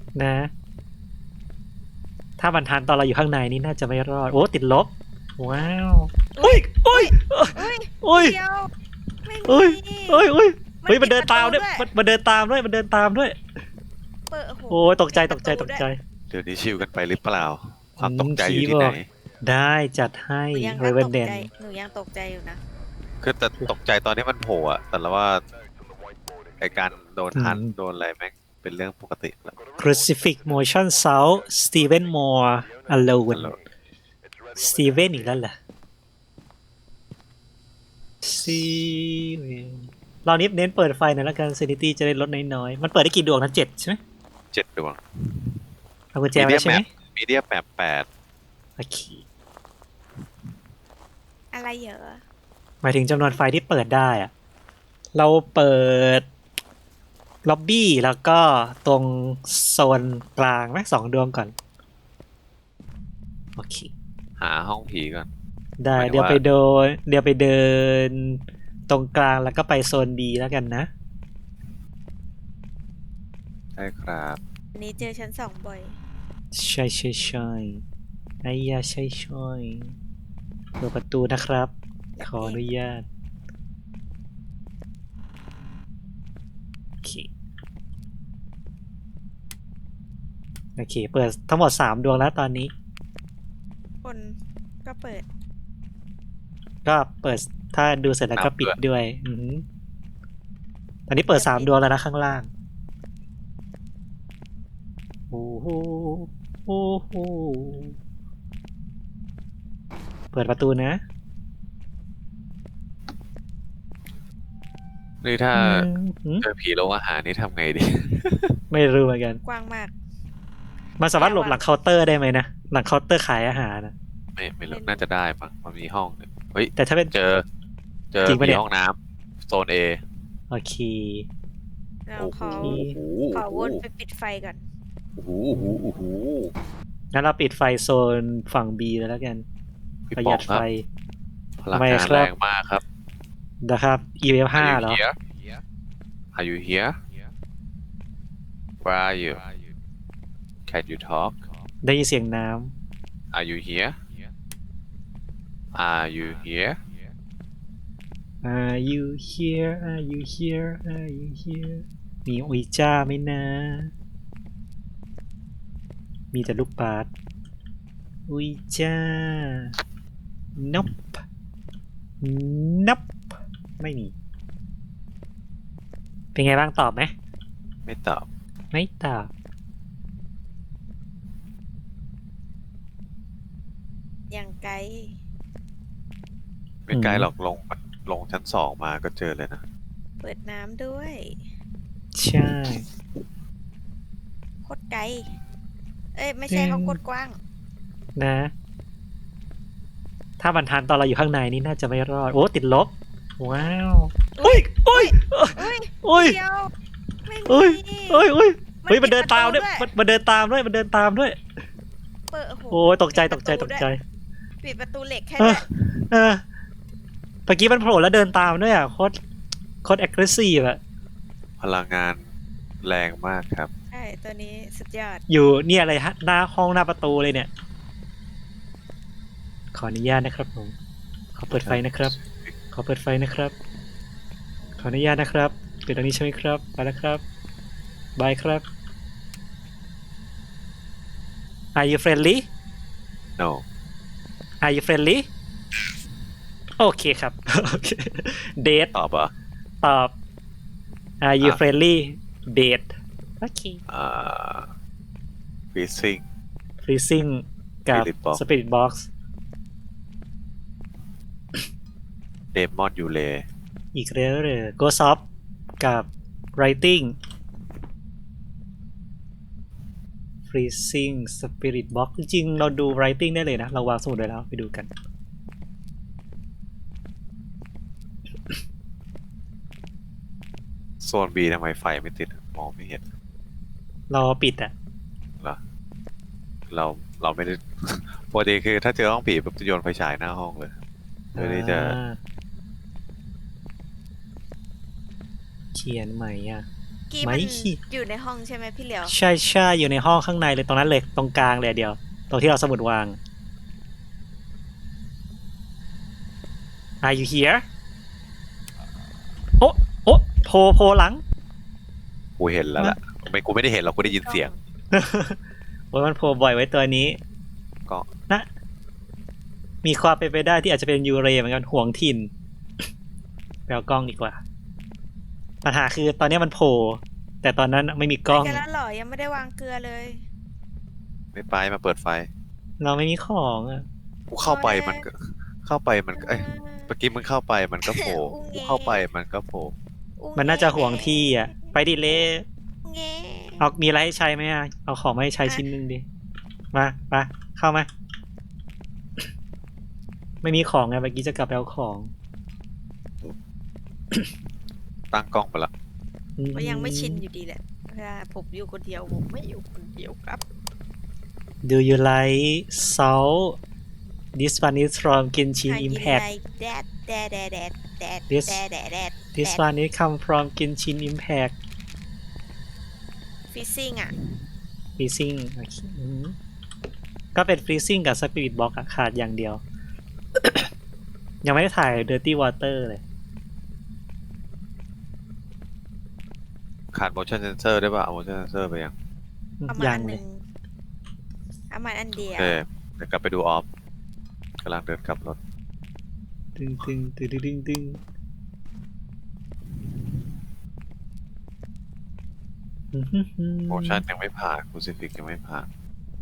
นะ ถ้ามันทันตอนเราอยู่ข้างในนี่น่าจะไม่รอดโอ้ติดลบว้าวโอ้ยโอ้ยอุ้ยโอ้ยเดียวไม่มีโอ้ยโอ้ยโอ้ยเฮ้ยมันเดินตามด้วยปิมันเดินตามด้วยมันเดินตามด้วยเปิดโอ้ยตกใจตกใจตกใจเดี๋ยวนี้ชิวกันไปหรือเปล่า ความตกใจอยู่ที่ไหนได้จัดให้หนูยังเรเวตนกเดนใจหนูยังตกใจอยู่นะคือแต่ตกใจตอนนี้มันโผล่อะแต่ละว่าไอการโดนหันโดนอะไรแม่งเป็นเรื่องปกติแล้ว Crucifix Motion South Steven Moore Alone สตีเวนอีกแล้วเหรอซีเรานี้เน้นเปิดไฟหน่อยแล้วกัน Sanity จะได้ลดน้อยๆมันเปิดได้กี่ดวงนะ7ใช่ไหม 7 ดวงเอากุญแจไว้ใช่ไหมมีเดียแมปโอเคอะไรเหรอหมายถึงจำนวนไฟที่เปิดได้อะเราเปิดล็อบบี้แล้วก็ตรงโซนกลางไหม2 ดวงก่อน โอเคหาห้องผีก่อนได้หมายถึงเดี๋ยวว่าไปเดินตรงกลางแล้วก็ไปโซน B แล้วกันนะใช่ครับอันนี้เจอชั้น2บ่อยใช่ใช่ใช่ไอ้ยาใช่ใช่เปิดประตูนะครับ ขออนุญาตโอเคโอเค เปิดทั้งหมด3 ดวงแล้วตอนนี้คนก็เปิดก็เปิดถ้าดูเสร็จแล้วก็ปิดด้วยอือหือตอนนี้เปิด3 ดวงแล้วนะข้างล่างโอ้โหโอ้โหเปิดประตูนะนี่ถ้าอืมเจอผีโรงอาหารนี่ทำไงดีไม่รู้เหมือนกันกว้างมากมันสามารถหลบหลังเคาน์เตอร์ได้ไหมนะ หลังเคาน์เตอร์ขายอาหารนะไม่รู้น่าจะได้มั้งมันมีห้องหนึ่งเฮ้ยแต่ถ้าเป็นเจอจริงปะผีเนี่ยห้องน้ำโซน A โอเคเราโอ้โหขอวนไปปิดไฟก่อนโอ้โหโอ้โหโอ้โหงั้นเราปิดไฟโซนฝั่ง B เลยแล้วกันพี่ประหป๋อยังดครัไฟบพลังทำไมงานครับแรงมากครับนะครับ EF 5เหรอ Are you here Where are you Can you talk ได้ยินเสียงน้ Are you here Are you here ำ Are you here Are you here Are you here มีอุยจ้าไหมนะ มีแต่ลูกบาสอุยจ้า Nope Nope ไม่มี เป็นไงบ้างตอบไหมไม่ตอบไม่ตอบอย่างไกลไม่ไกลหรอกลงชั้น 2มาก็เจอเลยนะเปิดน้ำด้วยใช่โคตรไกล เอ้ยไม่ใช่เขาโคตรกว้างนะ ถ้ามันทันตอนเราอยู่ข้างในนี่น่าจะไม่รอด โอ้ติดลบ ว้าวโอ้ยโอ้ยอุ้ยโอ้ยเดียวไม่โอ้ยมีโอ้ยโอ้ยเฮ้ยปิมันเดินตามด้วยประมันเดินตามด้วย มันเดินตามด้วยเปิดโอ้ยตกใจตกใจตกใจปิดประตูเหล็กแค่เออนั้นเออเมื่อกี้มันโผล่แล้วเดินตามด้วยอ่ะโคตร aggressive อะพลังงานแรงมากครับใช่ตัวนี้สุดยอดอยู่เนี่ยอะไรฮะหน้าห้องหน้าประตูเลยเนี่ย ขออนุญาตนะครับผม ขอเปิดไฟนะครับ ขอเปิดไฟนะครับ ขออนุญาตนะครับปิดตรงนี้ใช่ไหมครับไปแล้วครับบายครับ Are you friendly No Are you friendly โอเคครับ โอเคเดทตอบเหรอตอบ Are you อ่ะ friendly เดทโอเค Freezing freezing กับ Spirit box spirit box Demon Yule อีกแล้วเลย Ghost of กับ writing freezing spirit box จริงๆเราดู writing ได้เลยนะ เราวางสมุดไว้แล้วไปดูกันโซน B ทำไมไฟไม่ติดมองไม่เห็นเราปิดอ่ะเหรอเราไม่ได้ ปกติคือถ้าเจอห้องผีปุ๊บจะโยนไฟฉายหน้าห้องเลยเพื่อที่จะเขียนใหม่อ่ะกี้ไม่มันอยู่ในห้องใช่ไหมพี่เหลียวใช่ใช่อยู่ในห้องข้างในเลยตรงนั้นเลยตรงกลางเลยเดียวตรงที่เราสมุดวาง Are you here โอ้โพหลังกูเห็นแล้วล่ะกูไม่ได้เห็นหรอกกูได้ยินเสียงโอ้ยมันโผล่บ่อยไว้ตัวนี้ก็นะมีความเป็นไปได้ที่อาจจะเป็นยูเรเหมือนกันห่วงถิ่นไปเอากล้องดีกว่า ปัญหาคือตอนนี้มันโผล่แต่ตอนนั้นไม่มีกล้องไปกันแล้วเหรอยังไม่ได้วางเกลือเลยไม่ไปมาเปิดไฟเราไม่มีของอ่ะกูเข้าไปมันก็เอ้ยเมื่อกี้มึงเข้าไปมันก็โผล่กูเข้าไปมันก็โผล่มันน่าจะห่วงที่อ่ะ ไปดิเล่เงี้เอามีอะไรให้ใช้ไหมอ่ะเอาของมาให้ใช้ชิ้นหนึ่งดิมาเข้ามา ไม่มีของไงเมื่อกี้จะกลับไปเอาของตั้งกล้องไปละก็ยังไม่ชินอยู่ดีแหละเวลาผมอยู่คนเดียวผมไม่อยู่คนเดียวครับ Do you like salt This one is from Genshin I Impact like that This- that This one is come from Genshin Impact ฟิซซิ่งอ่ะ Freezing โอเคก็เป็น Freezing กับ Spirit Box อะขาดอย่างเดียว ยังไม่ได้ถ่าย Dirty Water เลยขาด motion sensor ได้ป่ะเอา motion sensor ไปยังเอามายัอังนหเลนึ่ยงเอามาอันเดียโอวเคเดี๋ยวกลับไปดูออฟกำลังเดินกลับรถตึง motion ยังไม่ผ่าน crucifix ยังไม่ผ่าน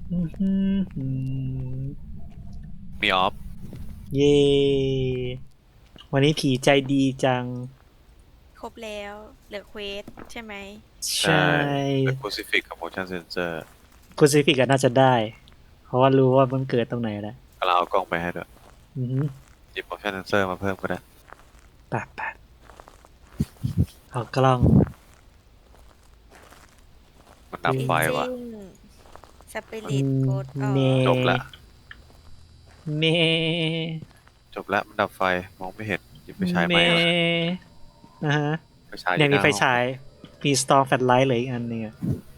มีออฟเย้วันนี้ผีใจดีจังครบแล้วเหลือเควสใช่ไหมใช่แต่ crucifix กับ motion sensor คุณซิฟิกน่าจะได้ เพราะว่ารู้ว่ามันเกิดตรงไหนแล้วกำลังเอากล้องไปให้ด้วยอือหือหยิบ motion sensor มาเพิ่มก็ได้แปดเอากล้องมันดับไฟว่ะสปิริตโกดออเมจบละเมจบแล้วมันดับไฟมองไม่เห็นหยิบไปใช้ไหเมมอะนะฮะไปใช้เนี่ยมีไฟหน้าห้องฉายมีสตอร์แฟลชไลท์เลยอีกอันหนึงอะ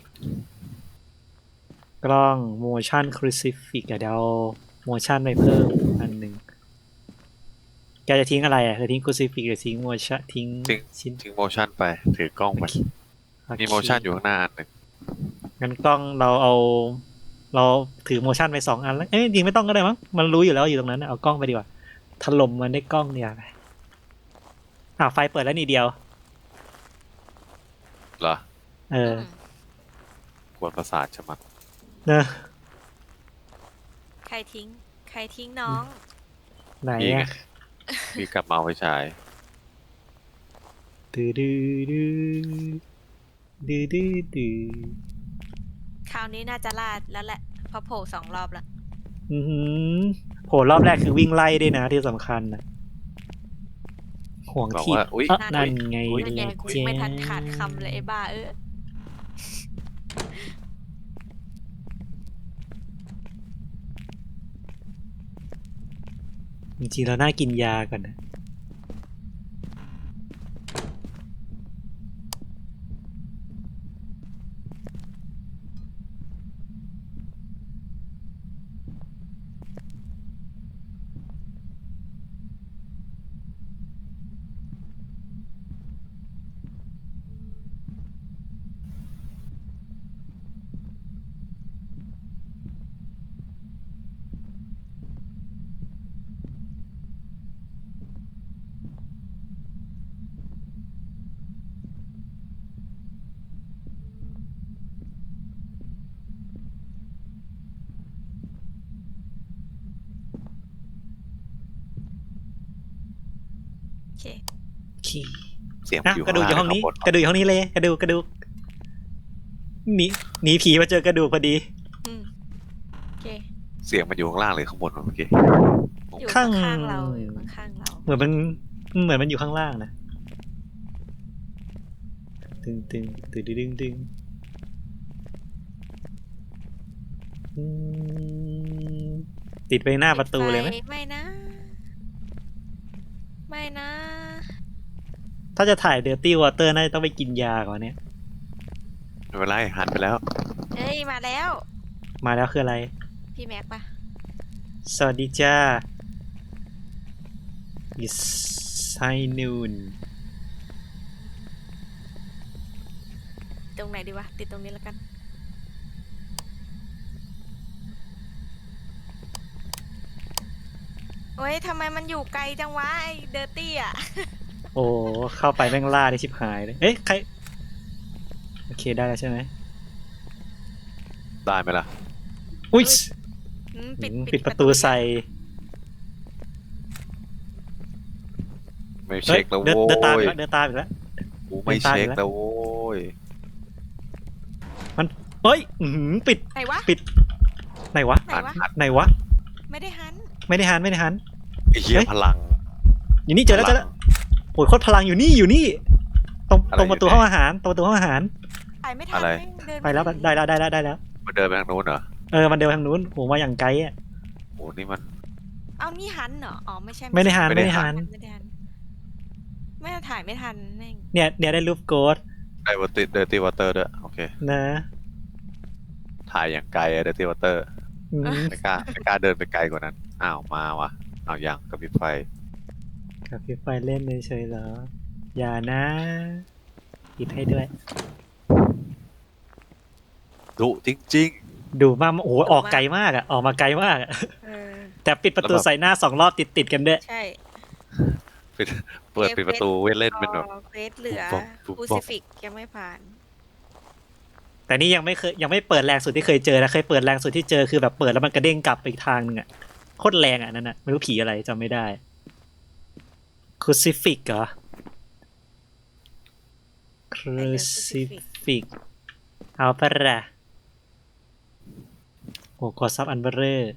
กล้อง motion crucifix เดี๋ยว motion ไปเพิ่มอันหนึ่งแกจะทิ้งอะไรอ่ะจะทิ้ง crucifix หรือทิ้ง motion ทิ้งชิ้นทิ้ง motion ไปถือกล้องไปโอเคมี motion อยู่ข้างหน้าอันหนึ่งงั้นกล้องเราถือ motionไป2 อันแล้วเอ้ยจริงไม่ต้องก็ได้มั้งมันรู้อยู่แล้วอยู่ตรงนั้นน่ะเอากล้องไปดีกว่าถล่มมันได้วยกล้องเนี่ยไปไฟเปิดแล้วนี่เดียวเหรอเออกวนประสาทใช่ไหมเนอะใครทิ้งน้องไหนพี่ไงอะพี่กลับมาเอาไปฉายดื้อดื้อดื้อดื้อดื้อดื้อคราวนี้น่าจะลาดแล้วแหละเพราะโผล่2 รอบแล้วอือหือโผล่รอบแรกคือวิ่งไล่ด้วยนะที่สำคัญนะห่วงบอกที่ว่าอุ๊ยนั่นไงนั่นไงล่ะกูเจ๊ไม่ทันขาดคำเลยไอ้บ้าจริงๆเราน่ากินยาก่อนนะโอเคขี้เสียงมันนะอยู่กระดูกอยู่ห้องนี้ข้างกระดูกอยู่ห้องนี้เลยกระดูกหนีผีมาเจอกระดูกพอดีอืมโอเคเสียงมันอยู่ข้างล่างหรือข้างบนวะเมื่อกี้อยู่ข้างข้างๆเราอยู่ข้างๆเราเหมือนมันอยู่ข้างล่างนะตึงอืมติดไปหน้าประตูเลยไหมปิดฟไม่นะ ไม่นะถ้าจะถ่าย Dirty Water น่าจะต้องไปกินยาก่อนเนี่ยไม่เป็นไรหันไปแล้วเอ้ยมาแล้วมาแล้วคืออะไรพี่แม็กปะสวัสดีจ้า It's high noon ตรงไหนดีวะติดตรงนี้แล้วกันโอ้ยทำไมมันอยู่ไกลจังวะไอ้เดอร์ตี้อ่ะโอ้เข้าไปแม่งล่าได้ชิบหายเลย เอ๊ะ ใคร โอเคได้แล้วใช่ไหมได้ไหมล่ะอุ้ยปิดประตูใส่ไม่เฮ้เช็ยคแล้วเดินโว้เดินตามอียกแล้วเดินตามอีกแล้วกูไม่เช็คแล้วโว้ยมันเฮ้ยปิดไหนวะปิด ไหนวะไหนวะไหนวะไม่ได้หันไม่ได้หัน ไม่ได้หันไอ้เหี้ยเฮ้ยพลังอยู่นี่เจอแล้วเจอแล้วโอ้ยโคตรพลังอยู่นี่อยู่นี่ ตรงอะไรตรงประตูอยู่ไหนห้องอาหาร ตรงประตูห้องอาหารถ่ายไม่ทันอะไรแม่งเดินไปแล้วได้แล้วได้แล้วได้แล้วมันเดินไปทางนู้นเหรอเออ มันเดินทางนู้นโอ้มาอย่างไกลอ่ะโอ้นี่มันเอานี่หันเหรออ๋อไม่ใช่ไม่ได้หันไม่ไม่ได้ได้หัหันนไม่ได้หันไม่ได้ถ่ายไม่ทันแม่งเนี่ยได้รูปโกดได้วอเตอร์เดอร์ตี้วอเตอร์ด้วยโอเคนะถ่ายอย่างไกลอะเดอร์ตี้วอเตอร์อืมไม่กล้าเดินไปไกลกว่านั้นอ้าวมาวะเอาอย่างกับพริบไฟกับพี่ไฟเล่นเฉยๆเหรอ อย่านะปิดให้ด้วยดุจริงดูมากโอ้โหออกไกลมากอ่ะ ออกมาไกลมากอะเออแต่ปิดประตูแล้วแบบใส่หน้า2 รอบติดกันด้วยใช่ๆเปิดปิดประตูเว้นเล่นเป็นแบบเควสเหลือปุ๊บคูป๊อซิปฟิกยังไม่ผ่านแต่นี่ยังไม่เปิดแรงสุดที่เคยเจอนะเคยเปิดแรงสุดที่เจอคือแบบเปิดแล้วมันกระเด้งกลับไปอีกทางนึงอ่ะโคตรแรงอ่ะนั่นอ่ะไม่รู้ผีอะไรจำไม่ได้คูซิฟิกเหรอคูซิฟิกเอาปะละโอ้กดซับอันเบอร์เรอร์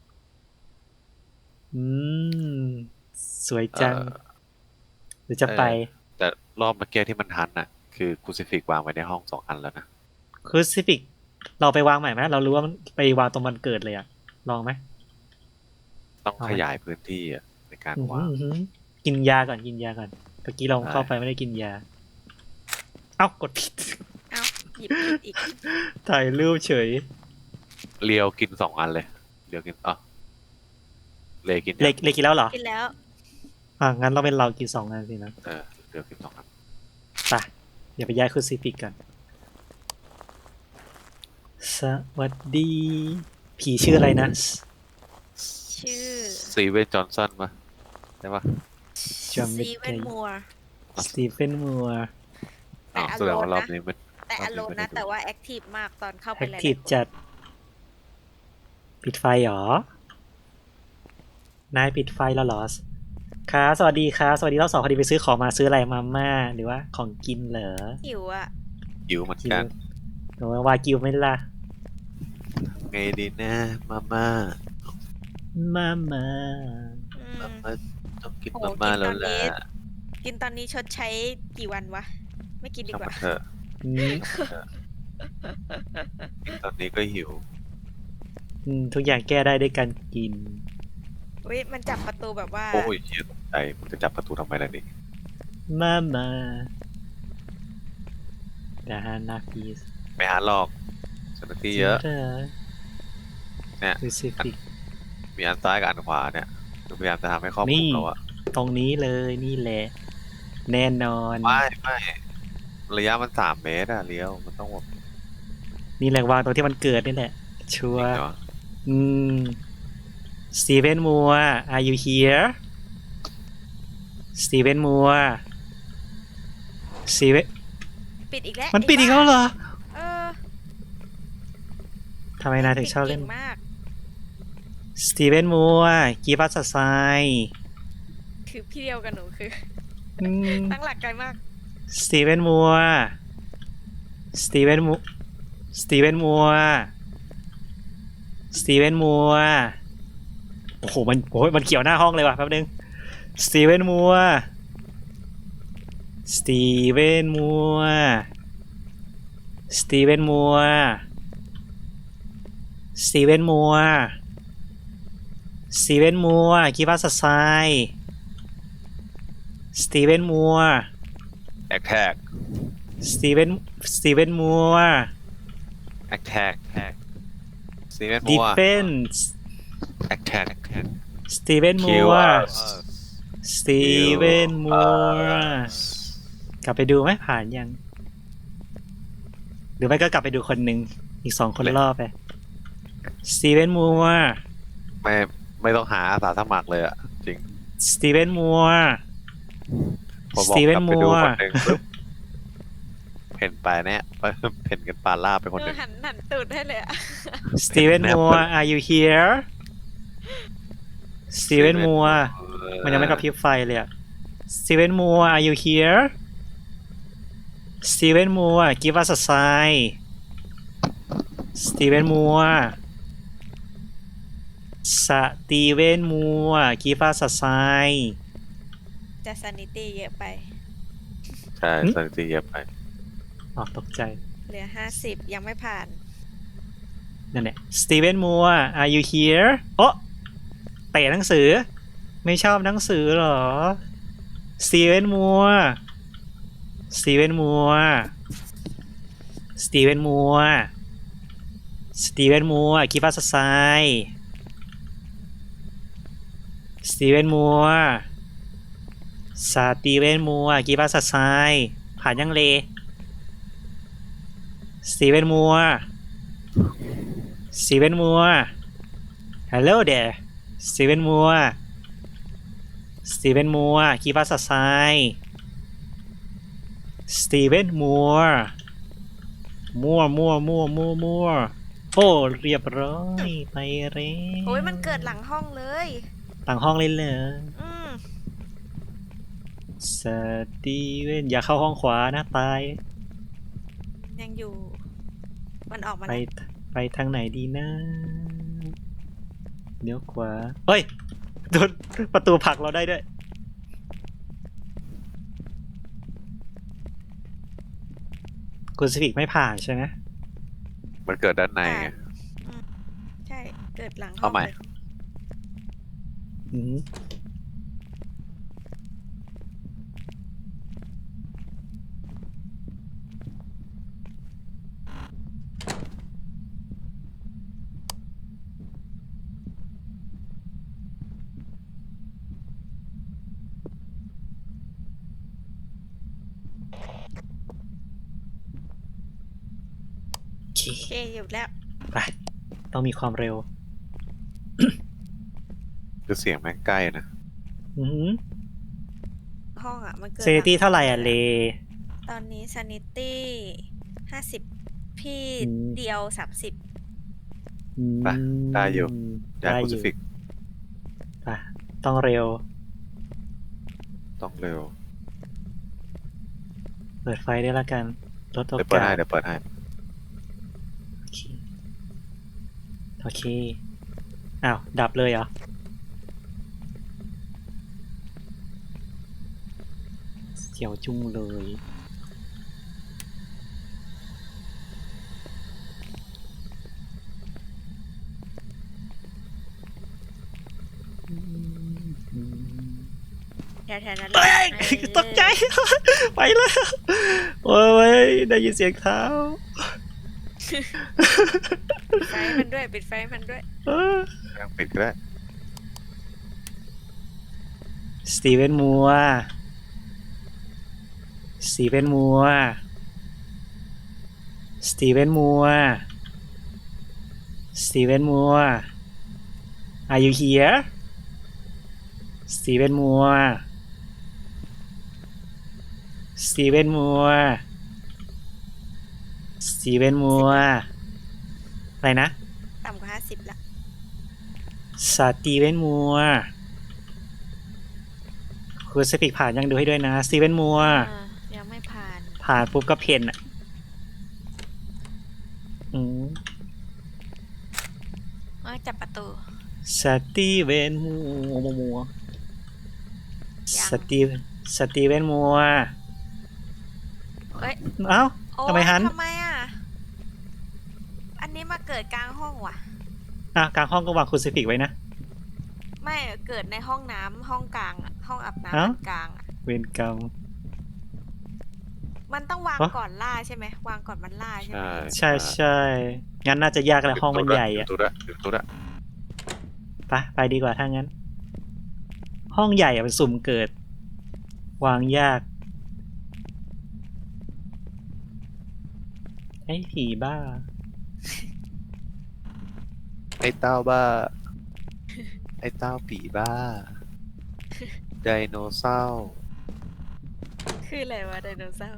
อืมสวยจังหรือจะไปแต่รอบเมื่อกี้ที่มันทันน่ะ คือคูซิฟิกวางไว้ในห้อง2 อันแล้วนะคูซิฟิกเราไปวางใหม่ไหมเรารู้ว่ามันไปวางตรงมันเกิดเลยอะลองไหมต้องเอาไหมขยายพื้นที่อะในการวางอื้อหือกินยาก่อนกินยาก่อนเมื่อกี้เราเข้าไปไม่ได้กินยา เอ้ากดผิดเอ้าหยิบผิดอีกถ่ายรูปเฉยเลียวกิน2 อันเลยเลียวกินเลกินยังเลยกินแล้วเหรอกินแล้วงั้นเราเป็นเรากิน2 อันสินะเลียวกิน2 อันไปอย่าไปย้ายคูซิฟิกกันสวัสดี ผีชื่ออะไรนะชื่อซีเวนจอห์นสันปะใช่ปะจำไม่ซีเวได้นมัวสตีเฟนมัวแต่อแสดงโลว่าน รอบนะนี้มันแต่อโลนไม่ได้นะดูแต่ว่าแอคทีฟมากตอนเข้าไปแอคหลายทีฟๆคนจัด ปิดไฟเหรอ นายปิดไฟแล้วเหรอครับสวัสดีครับสวัสดีรอบ 2พอดีไปซื้อของมาซื้ออะไรมาม่าหรือว่าของกินเหรอหิวอ่ะหิวเหมือนกิกันหรือว่าวากิวไหม่ล่ะไงดีนะมาม่ามาม่าอืมมาม่าต้องกินโอ้มาม่ากินแล้วตอนแหละนี้ กินตอนนี้ชดใช้กี่วันวะ ไม่กินดีช่างกมัว่านเถอะอืมกินตอนนี้ก็หิวทุกอย่างแก้ได้ด้วยการกินอุ้ยมันจับประตูแบบว่าโอ้ยเหี้ยตกใจมันจะจับประตูทำไมล่ะนี่มาม่าดาฮานาพีสไม่หาหรอกสถานที่เยอะ เนี่ยคูซิฟิกมีอันซ้ายกับอันขวาเนี่ยคือพยายามจะทำให้ครอบคนี่ลุมเราอะตรงนี้เลยนี่แหละ แน่นอนไม่ระยะมัน3 เมตรอะเลี้ยวมันต้องแบบนี่แหละวางตรงที่มันเกิดนี่แหละ ชัวจริร์งเหรอสตีเวนมัว are you here สตีเวนมัวสตีเวนปิดอีกแล้วมันปิดอีกแล้วเหรอเออทำไมนายถึงชอบเล่นปิดก่งมากสตีเวนมัว give us a sign คือพี่เดียวกับหนูคืออืมตั้งหลักไกลมากสตีเวนมัว สตีเวนมัว สตีเวนมัว สตีเวนมัว โอ้โห มันเกี่ยวหน้าห้องเลยว่ะแป๊บนึง สตีเวนมัว สตีเวนมัว สตีเวนมัว สตีเวนมัว สตีเวนมัว give us a sign สตีเวนมัวแอคแท็กสตีเวนสตีเวนมัว attack สตีเวนดีมัวเฟนส์ attack สตีเวนมั kill ว us สตีเวนมัวกลับไปดูไหมผ่านยัง หรือไม่ก็กลับไปดูคนหนึ่งอีก2 คนรอบไปสตีเวนมัวไม่ต้องหาอาสาสมัครเลยอะจริงสตีเวนมัวพอสบอกตีเวกนลับไปมัดูวคนหนึ่งปุ๊บเพ่นไปเนี่ย เพ่นกันปาล่าไปคนหนึ่งหันตูดให้เลยอะสตีเวนมัว are you here สตีเวนมัว มันยังไม่กระพริบไฟเลยอะสตีเวนมัว are you here สตีเวนมัว give us a sign สตีเวนมัว สตีเวนมัว give us a sign จะซานิตี้เยอะไปใช่สถิติเยอะไปออกตกใจเหลือ 50 ยังไม่ผ่านนั่นแหละสตีเวนมัว are you here โอ้เตะหนังสือ ไม่ชอบหนังสือเหรอสตีเวนมัว สตีเวนมัว สตีเวนมัว สตีเวนมัว give us a sign สตีเวนมัว สตีเวนมัว give us a sign ผ่านยังเลสตีเวนมัว สตีเวนมัว hello there สตีเวนมัว สตีเวนมัว give us a sign สตีเวนมัว มัวโอ้เรียบร้อยไปเร็วโอ้ยมันเกิดหลังห้องเลยต่างห้องเลยเหรออืมสตีเวนอย่าเข้าห้องขวานะตายยังอยู่ มันออกมาไปแล้วไปทางไหนดีนะเลี้ยวขวาเฮ้ยโดนประตูผลักเราได้ด้วย คุณสปิกไม่ผ่านใช่ไหมมันเกิดด้านในไงอืมใช่ เกิดหลังห้อเอางใหม่เลยอืม โอเคโอเคอยู่แล้วไปต้องมีความเร็วคือเสียงแม่งใกล้นะอืมห้องอ่ะ มันเกิดเซนิตี้หลังเท่าไหร่อ่ะเลตอนนี้ซานิตี้50 พี่อืมเดียว 30 อืมไปได้อยู่ อยากได้คูอซิยู่ฟิกไปต้องเร็วต้องเร็วเปิดไฟได้ละกันลดโอเดี๋ยวเปิดกาให้สเดี๋ยวเปิดให้โอเค โอเค อ้าว ดับเลยเหรอ เขียวจุ้งเลยแถวๆนั้นเฮ้ยเออตกใจ ไปแล้ว โอ้ย ได้ยินเสียงเท้าปิดไฟมันด้วย ปิดไฟมันด้วยเออยังปิดก็ได้สตีเวนมัว สตีเวนมัว สตีเวนมัว สตีเวนมัว Are you here สตีเวนมัว สตีเวนมัว สตีเวนมัว อะไรนะต่ำกว่า 50ละสตีเวนมัว คุณสปิกผ่านยังดูให้ด้วยนะ สตีเวนมัวยังไม่ผ่านผ่านปุ๊บก็เพนอ่ะ อืมจับประตูสตีเวนมัวยังสตีเวนมัวเอ้ยเอ้าโอ้ยทำไมหันทำไมอ่ะ อันนี้มาเกิดกลางห้องว่ะกลางห้องก็วางคุณสปิกไว้นะไม่เกิดในห้องน้ำห้องกลางอะห้องอาบน้ำเอ้าอันกลางอะเวรกรรมมันต้องวางฮะก่อนล่าใช่ไหมวางก่อนมันล่าใช่ไหมใช่ใช่งั้นน่าจะยากแหละห้องมันใหญ่อะตุ๊ดอะตุ๊ดอะไปดีกว่าถ้างั้น ห้องใหญ่อะมันสุ่มเกิด วางยาก ไอ้ผีบ้าไอ้เต้าบ้า ไอ้เต้าผีบ้า ไดโนเสาร์คืออะไรวะไดโนเสาร์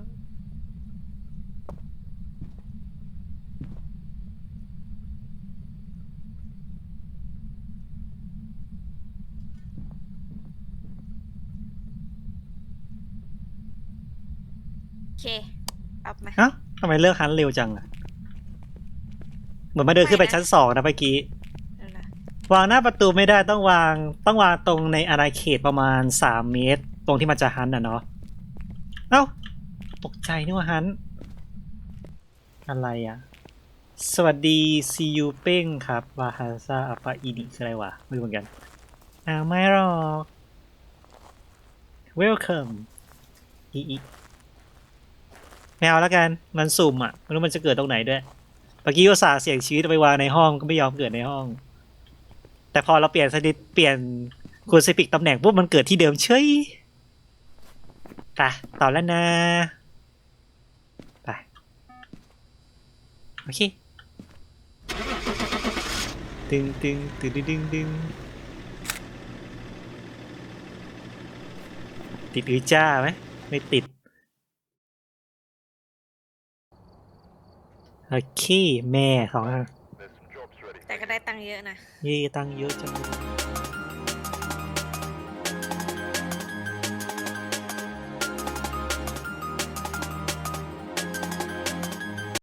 โอเคอัพมาเอ้าทำไมเลิกฮันเร็วจังอะเหมือนมาเดินขึ้นไปชั้น 2นะเมื่อกี้นั่นแหละวางหน้าประตูไม่ได้ต้องวางตรงในอาณาเขตประมาณ3 เมตร ตรงที่มันจะฮันอ่ะเนาะเอ้าตกใจนึกว่าฮันอะไรอ่ะ สวัสดีซียูเป้งครับวาฮาซาอัปปะอีนิคืออะไรวะไม่รู้เหมือนกันไม่หรอก welcome อีไม่เอาแล้วกันมันสุ่มอ่ะไม่รู้มันจะเกิดตรงไหนด้วยเมื่อกี้อุตส่าห์เสี่ยงชีวิตไปวางในห้องก็ไม่ยอมเกิดในห้อง แต่พอเราเปลี่ยนสถิตเปลี่ยนคูซิฟิกตำแหน่งปุ๊บมันเกิดที่เดิมเฉยไปต่อแล้วนะไปโอเคดึงติดหรือจ้าไหมไม่ติดโอเคแม่ของแต่ก็ได้ตังค์เยอะนะยี่ตังค์เยอะจังเลย